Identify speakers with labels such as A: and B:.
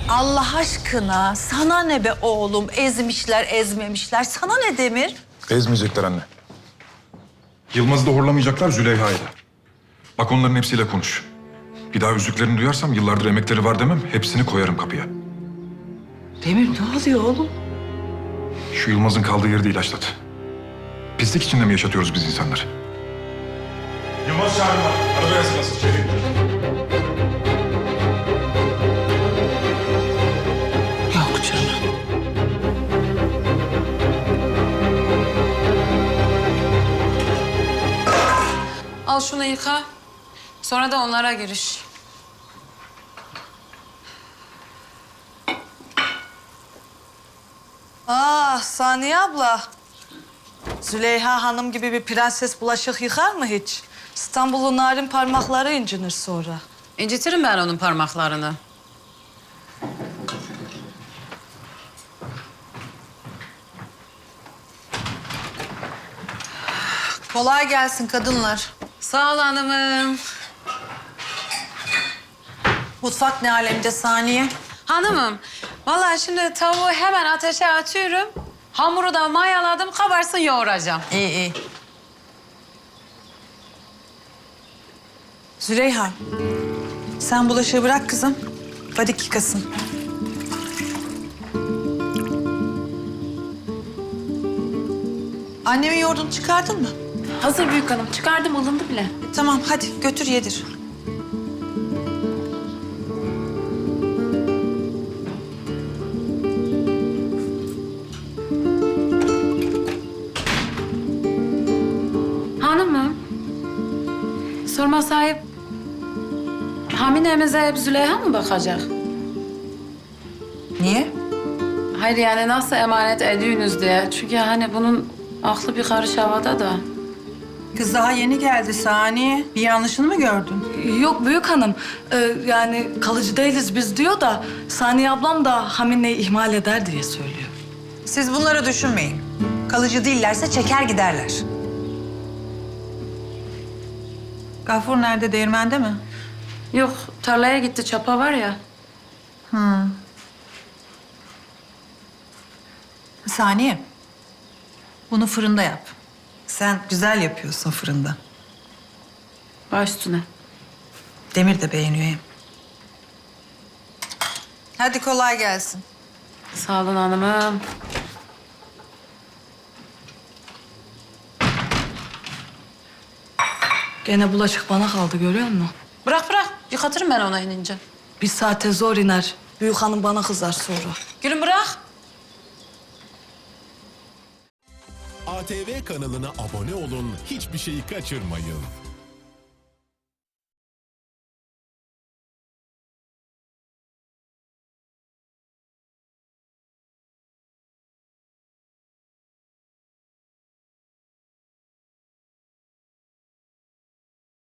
A: Allah aşkına sana ne be oğlum? Ezmişler, ezmemişler. Sana ne Demir?
B: Ezmeyecekler anne. Yılmaz'ı da horlamayacaklar, Züleyha'yı da. Bak onların hepsiyle konuş. Bir daha üzüklerini duyarsam yıllardır emekleri var demem, hepsini koyarım kapıya.
A: Demir ne oluyor oğlum?
B: Şu Yılmaz'ın kaldığı yeri de ilaçlat. Pislik içinde mi yaşatıyoruz biz insanları? Yılmaz çağırma. Arabaya sıkasın. Çevik.
A: Yok canım.
C: Al şunu yıka. Sonra da onlara giriş.
A: Ah Saniye abla. Züleyha Hanım gibi bir prenses bulaşık yıkar mı hiç? İstanbul'un narin parmakları incinir sonra.
C: İncitirim ben onun parmaklarını.
D: Kolay gelsin kadınlar.
C: Sağ ol hanımım.
D: Mutfak ne alemde Saniye?
C: Hanımım, vallahi şimdi tavuğu hemen ateşe atıyorum. Hamuru da mayaladım, kabarsın yoğuracağım.
D: İyi iyi.
A: Züleyha, sen bulaşığı bırak kızım. Fadik yıkasın. Annemin yoğurdunu çıkardın mı?
C: Hazır büyük hanım, çıkardım, ılındı bile.
A: Tamam, hadi götür yedir.
C: Hanımım, sorma sahip, Hamine'mize hep Züleyha mı bakacak?
D: Niye?
C: Hayır yani nasıl emanet ediyorsunuz diye. Çünkü hani bunun aklı bir karış havada da.
D: Kız daha yeni geldi Saniye. Bir yanlışını mı gördün?
E: Yok büyük hanım. Yani kalıcı değiliz biz diyor da Saniye ablam da Hamine'yi ihmal eder diye söylüyor.
D: Siz bunları düşünmeyin. Kalıcı değillerse çeker giderler. Gafur nerede? Değirmende mi?
C: Yok, tarlaya gitti, çapa var ya.
D: Saniye. Bunu fırında yap. Sen güzel yapıyorsun fırında.
C: Baş üstüne.
D: Demir de beğeniyor hem. Hadi kolay gelsin.
C: Sağ olun hanımım.
E: Gene bulaşık bana kaldı görüyor musun?
C: Bırak bırak, yıkatırım ben ona inince.
E: Bir saate zor iner. Büyük hanım bana kızar sonra.
C: Gülüm bırak.
F: ATV kanalına abone olun, hiçbir şeyi kaçırmayın.